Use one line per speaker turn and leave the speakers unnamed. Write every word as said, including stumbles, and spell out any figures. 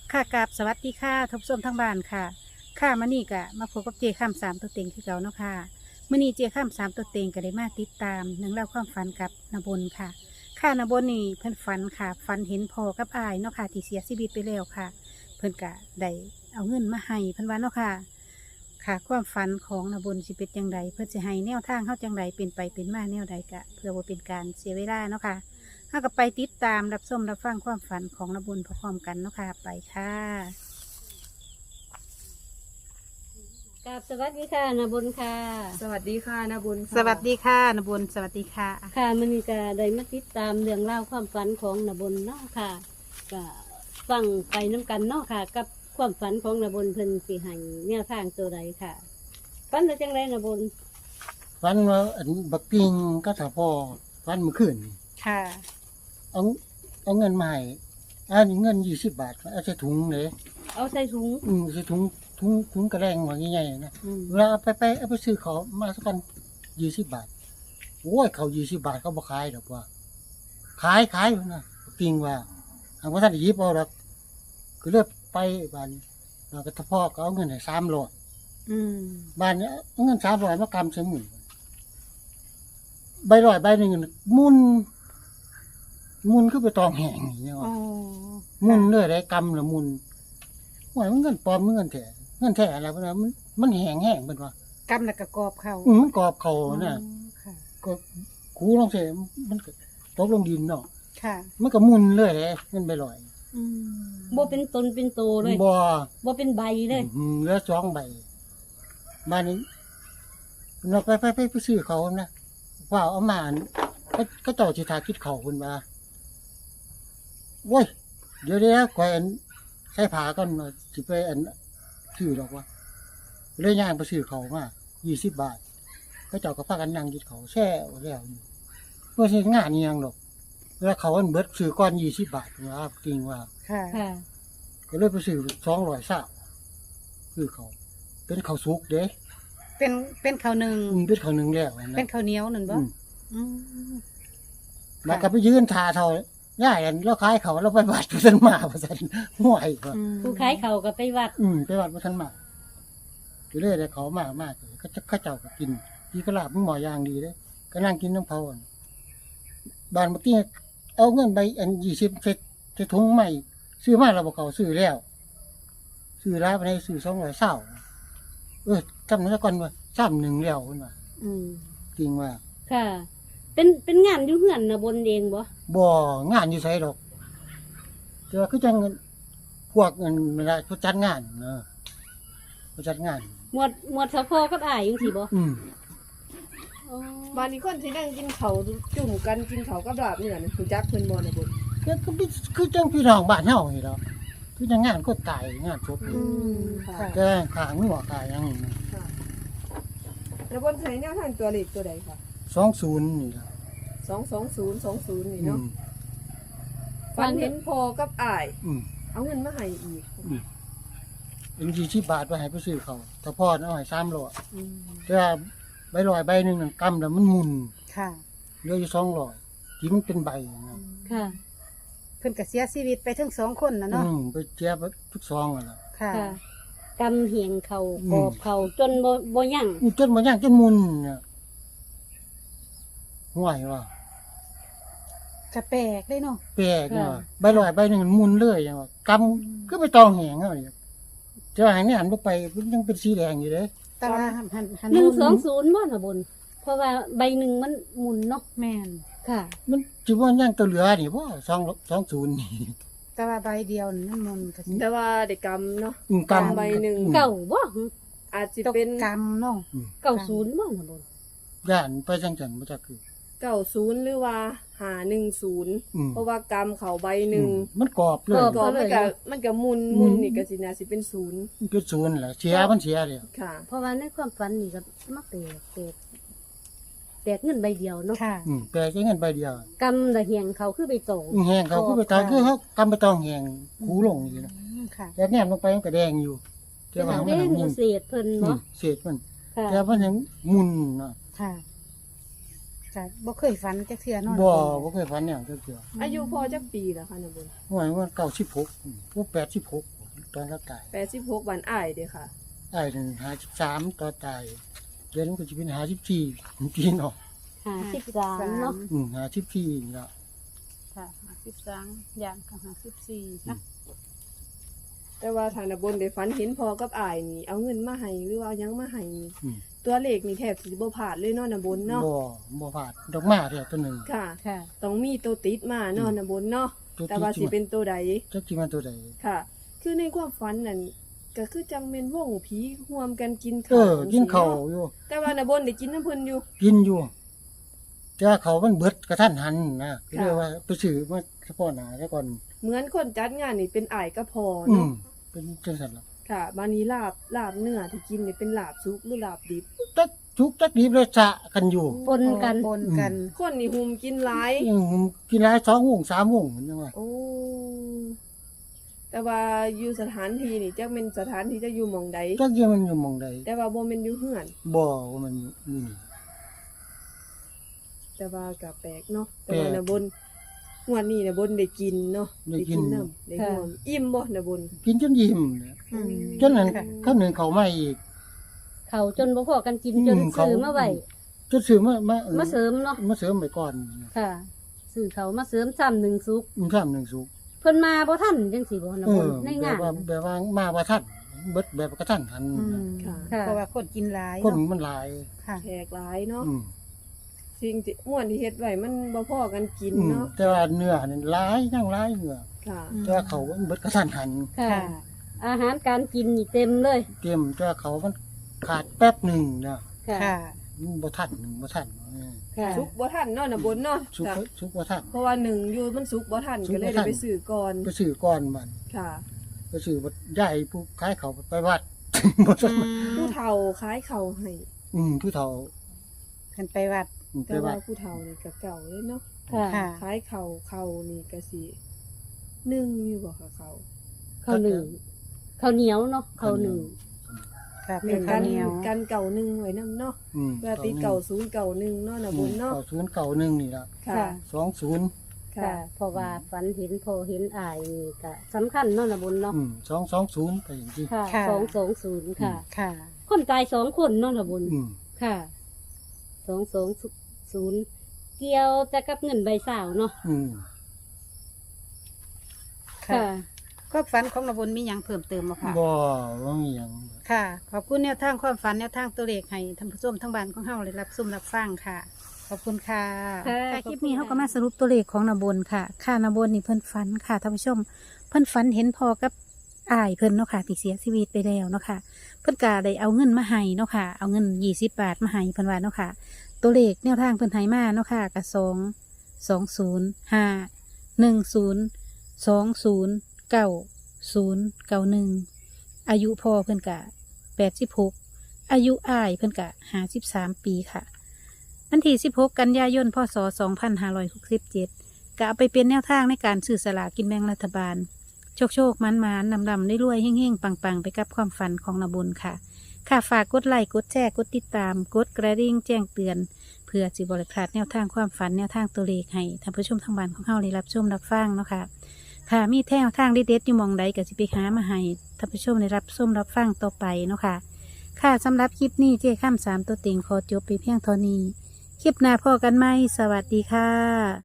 ค่ะกราบสวัสดีค่ะทบส้ชมทั้งบ้านค่ะค่ะมื่อนี้ก็มาพบกับเจข้ามสามตัวเต็งคือเก่าเนาะค่ะมื่อนี้เจข้ามสามตัวเต็งก็ได้มาติดตามหนังเล่องราวความฝันกับนบนค่ะ ค่ะนบนนี่เพิ่นฝันค่ะฝันเห็นพ่อกับอายเนาะค่ะที่เสียชีวิตไปแล้วค่ะ เพิ่นก็ได้เอาเงินมาให้เพิ่นว่าเนาะค่ะค่ะความฝันของนบนสิเป็นจังไดเพิ่นสิให้แนวทางเฮาจังไดเป็นไปเป็นมาแนวใดกะเพื่อบ่เป็นการเสียเวลาเนาะค่ะ ถ้าก็ไปติดตามรับชมรับฟังความฝันของนบุญพร้อมๆกันเนาะค่ะไปค่ะ
กับสวัสดีค่ะนาบุญค่ะ
สวัสดีค่ะนาบุญค่ะ
สวัสดีค่ะนบุญสวัสดีค่ะ
ค่ะมันก็ได้มาติดตามเรื่องเล่าวความฝันของนาบุญเนาะค่ะก็ฟังไปน้ำกันเนาะค่ะ กับความฝันของนาบุญเพิ่นสิให้แนวทางตัวใดค่ะฝันว่าจังไรนาบุญ
ฟันว่าอันบักปิงก็ถ้าพ่อฟันเมื่อคืนนี่
ค่ะ
เอาเอาเงินมาให้อันนี้เงินยี่สิบบาทเอาใส่ถุงเลย
เอาใส่ถุง
อืมใส่ถุงถุงถุงกระแรงว่าใหญ่ๆนะ
อืม
เวลาเอาไปไปเอาไปซื้อเขามาสักกันยี่สิบบาทโอ้ยเขายี่สิบบาทเขาบ่ขายดอกว่า ขายขายอยู่นะบักปิงว่าหากว่าท่านได้หยิบเอาดอกก็เลือกไปบ้านเราก็ทพ่อก็เอาเงินให้สามร้อย
อืม
บ้านเนี้ยเอาเงินสามร้อยมากำใส่หมื่นใบร้อยใบหนึ่งน่ะหมุนหมุนคือไปตองแห้งอย่างเงี้ย
โอ้
ว่ะหมุนเลยได้กำละหมุนโอ้ยมันเงินปลอมมันเงินแท้เงินแท้อะไรพวกนั้นมันมันแห้งแห้งเป็นว่าก
ำแล้วก็กรอบเขา
อืมมันกรอบเขาเนี่ย
อ๋อค่ะ
ก็คูลองเสมันก็ตกลงดินเนาะ
ค่ะ
มันก็หมุนเลยเลยเงินใบลอย
อืม
บ่เป็นตนเป็นโตเลย
บ่
บ่เป็นใบเลย
อืมเหลือสองใบบ้านนี้เราไปไปไปไปซื้อเขานะว่าเอามาอันก็ก็เจ้าสิทาคิดเขาคุณว่าโว้ยเดี๋ยวเดี๋ยวก่อยอันใส่ผ้าก่อนว่าสิไปอันซื้อดอกว่าเลยย่างไปซื้อเขามายี่สิบบาทก็เจ้าก็พากันนั่งกินเขาแช่แล้วอยู่เมื่อสิงานนี่ยังดอกแล้วเขาอันเบิดซื้อก้อนยี่สิบบาทนะครับจริงว่า
ค่ะ
ค่ะ
ก็เลยไปซื้อสองร้อยสาซื้อเขา เป็นเขาวสุกเด้
เป็นเป็นข้าวหนึ่ง
อืมเป็นเขาวหนึ่งแล้วนะ
เป็นข้าวเหนียวหนึ่งบ่
อืม
อืม
แล้วก็ไปยืนทาเท่าย่ายกันแล้วขายเขาแล้วไปวัดพระสันมาพระสันห่วยก็
อืม
ผู้ขายเขาก็ไปวัด
อืมไปวัดพระสันมาก็เลยได้เขามากมากเลยก็จะข้าเจ้าก็กินกีกระลาบมึงหมอย่างดีเลยก็นั่งกินน้ำเผาอะบ้านเมื่อกี้เอาเงินไปอันยี่สิบเซตเซตถุงใหม่ซื้อมาเราบอกเขาซื้อแล้ว ซื้อแล้วไปในซื้อสองร้อยเศร้าเออจำนั้นก่อนว่าซ้ำหนึ่งแล้วคุณว่า
อืม
จริงว่า
ค่ะ เป็นเป็นงานอยู่เฮือนนาบุญเองบ่
บ่งานอยู่ไสดอกแต่ว่าคือจังพวกเงินเวลาเขาจัดงานเนอะเขาจัดงาน
หมวดหมวดสะพอกับอ้ายจังซี่บ่
อืม
อ๋อ
บ้านนี้คนที่นั่งกินเขาวจุ่มกันกินเขาวกับลาบเนี่ยนะคุณจักเพิ่นบ่นาบุญ
คือคือพี่คือจังพี่น้องบ้านเฮานี่ดอกคือจังงานก็ตายงานศพ
อืมค่ะ
ค่ะ
แต่ขางัวขายหยังนี่นะ
ค่ะนาบุญใช้แนวทางตัวเลขตัวใดคะ
สองศูนย์นี่ล่ะ
สองสองศูนย์สองศูนย์นี่
อื
เนาะ
ม
ฝันเห็นพอกับอ้าย
อืม
เอาเงินมาให้อีก
อืมเป็นยี่สิบบาทไปให้ไปซื้อเขาวถ้าพ่อเอาให้สามร้อย
อืม
แต่ว่าใบลอยใบหนึงนั่นกำแล้วมันหมุน
ค่ะ
เหลืออยู่สองร้อยที่มันเป็นใบนะ
ค่ะ
เพิ่นก็เสียชีวิตไปทั้งสองคนนะเนาะ
อืมไปเจี๊ยบทุกซองอ่ะล่ะ
ค่ะ
ค่ะกำเหียงเขา
อืม
กอบเขาจนบ่บ่ยั่ง
นี่จนมันย่างจนมุนเนี่ยห่วยว่ะ
กระแปลกเลยเนาะ
แปลกเนาะใบลอยใบหนึ่งมันมุนเลยอย่างว่ากำก็ไปตองแหงเอาเนี่ยจะว่าให้เนี่ยหันไปไปมันยังเป็นสีแดงอยู่เลย
แต่ว่าหันหันหัน
หนึ่งสองศูนย์บ่นาบุญเพราะว่าใบหนึ่งมันหมุนเนาะ
แม่น
ค่ะ
มันจิว่าย่างตัวเหลือนี่ว่าสองสองศูนย์นี่
แต่ว่าใบเดียวนี่มันมันก็สิ
แต่ว่าเด็กกรรมเนาะ
อืม
กำ
กำ
ใบหนึ่ง
อืม
เก่าบ่
อาจจะ
ตก
เป็น
กรรมเนาะ
เก่าศูนย์บ่นาบุญ
ย่านไปจังจันมาจากคือ
เก้าศูนย์หรือว่าหาหนึ่งศูนย์
อืม
เพราะว่ากรรมเขาใบหนึ่ง
อืมมันกรอบเลย
ก็มันก็มันก็มุนมุนนี่ก็สินะสิเป็นศูนย์
มันเป็นศูนย์แหละเสียมันเสียเลย
ค่ะ
เพราะว่าในความฝันนี่ก็มาแปลกแปลกแปลกเงินใบเดียวเนาะ
ค่ะ
อืมแปลแค่เงินใบเดียว
กำละเหียงเขาคือใบโต
อืมแหงเขาก็ไปตองคือเขากำไปตองแหงคูลงอยู่นะ
อืมค่ะ
แต่แนมลงไปมันก็แดงอยู่แต่
เป็น
ว่า
อัน
มัน
เด้
ยังมุน
เศษเพิ่น
อื
เนาะ
มเศษมัน
ค่ะ
แต่มันยังมุนเนาะ
ค่ะค่ะบ่เคยฝันจักเทื่อเนาะ
บ่บ่เคยฝันแนวจักเทื่อ
อายุพอจักปีแล้วค่ะนาบุญ
หวยว่าเก้าสิบหกพวกแปดสิบหกตอนเราตาย
แปดสิบหกวันอ้ายเด้อค่ะ
ไอ้ถึงห้าสิบสามตอนตายเดือนก็จะเป็นห้าสิบสี่พี่น้อง
ห้าสิบสามเนาะ
อืมห้าสิบสี่เนาะ
ค่ะห้าสิบสามอย่างกับห้าสิบสี่นะ
แต่ว่าทางนบนได้ฝันเห็นพอกับอ้ายนี่เอาเงินมาให้หรือว่าเอาหยังมาให้นี่
อืม
ตัวเลขนี่แทบสิบ่พลาดเลยเนาะนบนเนาะ
บ่บ่พลาดดอกไม้เดียวตัวหนึ่ง
ค่ะ
ค่ะ
ต้องมีตัวติดมาเนาะนบนเนาะ
ตัว
แต่ว่าสิเป็นตัวใด
จักสิมาตัวใด
ค่ะ คือในความฝันนั่นก็คือจังแม่นวงผีร่วมกันกิน
เอ
ข้าว
อกินข้าวอยู่
แต่ว่านบนได้กินน้ำเพิ่นอยู่
กินอยู่แต่ว่าเขามันเบิดกระทันหันนะก็เลยว่าไปซื้อมาเฉพาะหน้าซะก่อน
เหมือนคนจัดงานนี่เป็นอ้ายกับพอ
อื
เนาะ
มเป็นจังซั่นล่ะ
ค่ะบานี้ลาบลาบเนื้อที่กินนี่เป็นลาบสุกหรือลาบดิบ
จักทุกจักดีเลยสะกันอยู่
ปนกัน
ปนกัน
คนนี่หุมกินหลาย
อืมกินหลายสองวงสามวงมันยังว่า
โอ้ แต่ว่าอยู่สถานที่นี่จักเป็นสถานที่จะอยู่หม่องใด
จักยังมันอยู่หม่องใด
แต่ว่าบ่แม่นอยู่เฮือน
บ่ว่ามันนี่
แต่ว่าก็แปลกเนาะ แต่
แปลก
ว่าน่ะบนงวดนี้น่ะบนได้กินเนาะ
ได้กิน
น้ำได้หอมอิ่มบ่น่ะบน
กินจนยิ้มเนี่ย
อืม
จนนั้น
ค่ะ
ข้าวหนึ่งเขาไม่อีก
เขาจนบ่พอกันกิน
อืม
จน
เขา
ซื้อมาไว้
จนซื้อมามา
มาเสริมเนาะ
มาเสริมไปก่อน
ค่ะซื้อเขามาเสริมซ้ำหนึ่งซุก
อืมข้ามหนึ่งสุก
เพิ่นมาบ่ทันจังสิบ่นะ
เอ
บ่
อ
ใน
แบ
งา
บ
น
ว่าแบบว่ามาว่าท่านเบิดแบบกระทันหัน
อืม
ค่ะ
ค่ะ
เพราะว่าคนกินหลาย
คน
เนาะ
มันหลาย
ค่ะ
แขกหลายเนาะ
อืม
สิ่งที่ม่วนที่เฮ็ดไว้มันบ่พอกันกิน
อืม
เนาะ
แต่ว่าเนื้อนี่หลายยังหลายเนื้อ
ค่ะ
อืม
แต่ว่าเขามันเบิดกระทันหัน
ค่ะ
ค่ะ
อาหารการกินนี่เต็มเลย
เตรียมแต่ว่าเขามันขาดแป๊บหนึ่งนะ
ค่ะ
ค่ะ
มันบ่ทันบ่ทันเออ
ค่ะ
สุกบ่ทันเนาะน่ะบนเนาะ
สุก
จ้ะ
สุกบ่ทัน
เพราะว่าหนึ่งอยู่มันสุกบ่ทัน
สุกบ่
ก็เลย
ทั
ได้
น
ไปซื้อก่อน
ไปซื้อก่อนมัน
ค่ะ
ไปซื้อบ่ย้ายผู้ขายเขาไปวัด บ่ทัน
ผู้เฒ่าขายข้าวให้
อืมผู้เฒ่า
กันไปวัด
อืมไป
แต่ว่า
วัด
ผู้เฒ่านี่ก็เก่าเลยเนาะ
ค่ะ
ค่ะ
ขายข้าวข้าวนี่ก็สิหนึ่งอยู่บ่ค่ะข้าว
ข้าวหนึ่งข้าวเหนียวเนาะข้าวหนึ่ง
ค่ะ
เป็
เป็น น
กั
ข้าวน เหนียว
กันเก่าหนึ่งไว้นํเนาะ
อืม
เพื่อติดเก่าศูนย์เก่าหนึ่งเนาะน่ะบนเนาะ
เก่าศูนย์เก่าหนึ่งนี่ละ
ค่ะ
ค่ะ
สองศูนย์
ค่ะ
ค่ะ
เพราะว่าฝันเห็นพอเห็นอายนี่ก็สำคัญเนาะนะบุญเนาะ
อืมสองสองศูนย์ไปอย่างที่
ค่ะ
ค่ะ
สองสองศูนย์ค่ะ
ค่ะ
คนตายสองคนเนาะนะบุญ
อืม
ค่ะสองสองศูนย์เกี่ยวจะกับเงินใบสาวเนาะ
อืม
ค่ะ ก็ฝันของนบุญมีหยังเพิ่มเติมบ่ค่ะ
บ่ว่ามีหยัง
ค่ะ ขอบคุณแนวทางความฝันแนวทางตัวเลขให้ท่านผู้ชมทั้งบ้านของเฮาได้รับชมรับฟังค่ะ ขอบคุณค่ะ
ค่ะ
คลิปนี้เขาก็มาสรุปตัวเลขของนบุญค่ะ ค่ะนบุญนี่เพิ่นฝันค่ะท่านผู้ชม เพิ่นฝันเห็นพอกับอายเพิ่นเนาะค่ะที่เสียชีวิตไปแล้วเนาะค่ะ เพิ่นก็ได้เอาเงินมาให้เนาะค่ะ เอาเงินยี่สิบบาทมาให้เพิ่นว่าเนาะค่ะ ตัวเลขแนวทางเพิ่นให้มาเนาะค่ะกับสองสองศูนย์ห้าหนึ่งศูนย์สองศูนย์เก้าศูนย์เก้าหนึ่งอายุพ่อเพิ่นกะแปดสิบหกอายุอ้ายเพิ่นกะห้าสิบสามปีค่ะวันที่สิบหกกันยายนพศสองพันห้าร้อยหกสิบเจ็ดก็เอาไปเป็นแนวทางในการซื้อสลากกินแบ่งรัฐบาล โชคโชคมันมันนำนำได้รวยเฮ่งเฮ่งปังปังไปกับความฝันของนบุญค่ะ ค่ะฝากกดไลค์กดแชร์กดติดตาม กดกระดิ่งแจ้งเตือน เพื่อสิบริพลาดแนวทางความฝันแนวทางตัวเลขให้ท่านผู้ชมทางบ้านของเฮาได้รับชมรับฟังเนาะค่ะ ค่ะมีแนวทางเด็ดๆอยู่หมองใดก็สิไปหามาให้ท่านผู้ชมได้รับชมรับฟังต่อไปเนาะค่ะ ค่ะสำหรับคลิปนี้เจ้ข้ามสามตัวเต็งขอจบไปเพียงเท่านี้ คลิปหน้าพอกันไหมสวัสดีค่ะ